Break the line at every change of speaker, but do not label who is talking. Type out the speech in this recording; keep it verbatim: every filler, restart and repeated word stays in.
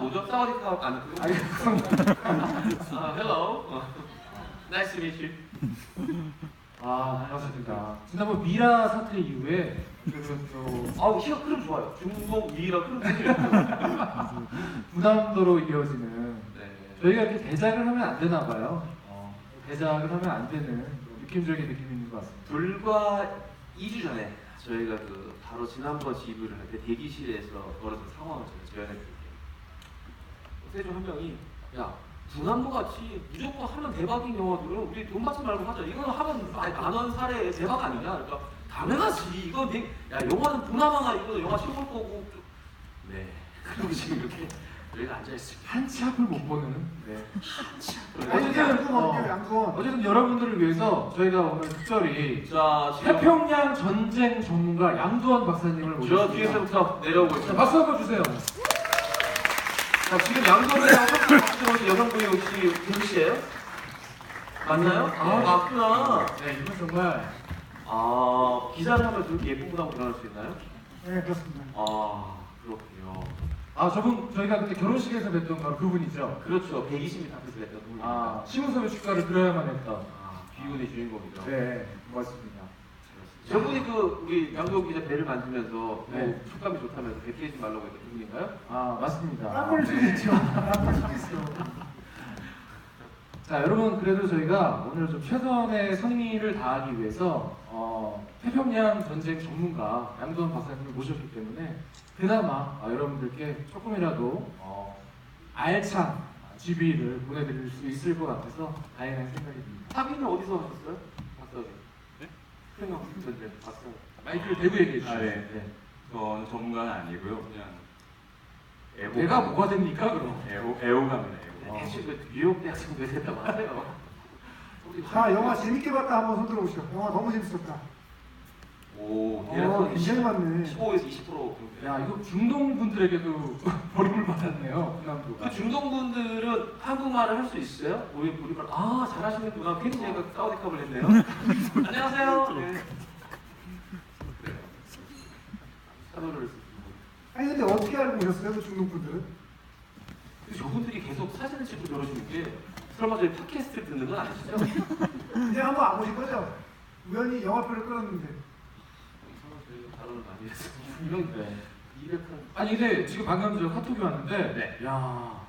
뭐죠? 사우디카 아니 그거?
아니,
아, hello. Nice to meet you.
아, 반갑습니다. 지난번 미라 사태 이후에 그
아우 키가 흐름 좋아요. 중국 위라 흐름 되게 좋아요.
부담도로 이어지는
네.
저희가 이렇게 대작을 하면 안 되나 봐요. 어, 대작을 하면 안 되는 느낌적인 느낌이 있는 것 같습니다.
불과 이 주 전에 저희가 그 바로 지난번 지브를 할 때 대기실에서 벌어진 상황을 제가 재현해드릴게요. 세종 한 명이 야 분한부 같이 무조건 하면 대박인 영화들은 우리 돈 받지 말고 하자. 이거는 하면 만원 사례 대박 아니냐? 그러니까 당연하지. 이건 내, 야 영화는 분하마나 이거 영화 최고일 거고. 네. 그리고 지금 이렇게 여기가 앉아 있습니다.
한치 앞을 못 보는. 네.
어쨌든
어쨌든 어,
양구원.
어쨌든 여러분들을 위해서 저희가 오늘 특별히
자 지금
태평양 전쟁 전문가 양두원 박사님을
저
모셨습니다.
뒤에서부터 내려오고
자,
있습니다.
박수 한번 주세요.
자, 지금 양도이랑 박수로 여성분이 혹시 김 씨예요? 맞나요? 아, 맞구나.
네, 이건 정말
아, 기사를 하면 저렇게 예쁜 분하고 결혼할 수 있나요?
네, 그렇습니다.
아, 그렇군요.
아 저분 저희가 그때 결혼식에서 뵀던 바로 그분이죠.
그렇죠. 백이십 미터 앞에서 냈던 분입니다.
아 시무섭의 축가를 들어야만 했던.
아, 비운의 주인공이죠.
네, 고맙습니다.
저분이 그 우리 양도 기자 배를 만지면서
네.
뭐 촉감이 좋다면서 배 피하지 말라고 했던 분인가요?
아 맞습니다.
땀을
네.
쏘겠죠. 땀을 쏘겠어.
자 여러분 그래도 저희가 오늘 좀 최선의 성의를 다하기 위해서 어, 태평양 전쟁 전문가 양도원 박사님을 모셨기 때문에 그나마 어, 여러분들께 조금이라도 어, 알찬 지비를 보내드릴 수 있을 것 같아서 다행한 생각이 듭니다.
사비는 어디서 하셨어요? 박사님. 네? 태평양 전쟁 박사.
마이크를 대고 얘기해 주세요.
아, 네. 저는 전문가는 아니고요. 그냥 애호.
내가 뭐가 됩니까 그럼?
애호 애호감이네. 애호.
대신 그 뉴욕 대학생도 됐다고 하세요. 우리
자, 영화 재밌게 봤다 한번 손 들어보시죠. 영화 너무 재밌었다.
오,
어,
대략
굉장히 많네.
십오에서 이십 퍼센트 정도.
야 이거 중동 분들에게도 버림을 받았네요.
그 중동분들은 한국말을 할 수 있어요? 우리 우리말 아 잘하시는구나. 괜히 제가 사우디컵을 했네요. 안녕하세요. 네. 그래요. 사도를 쓰고.
아니 근데 어떻게 알고 오셨어요, 그 중동 분들은?
근데 저분들이 계속 사진을 찍고 저러시는 게 설마 저희 팟캐스트를 듣는 건 아니시죠?
그냥 한번 안 보신 거죠? 우연히 영화표를 끌었는데.
설마 저희가 발언을 많이 해서 이런
네.
이백한
아니 근데 지금 방금 저 카톡이 왔는데
네.
야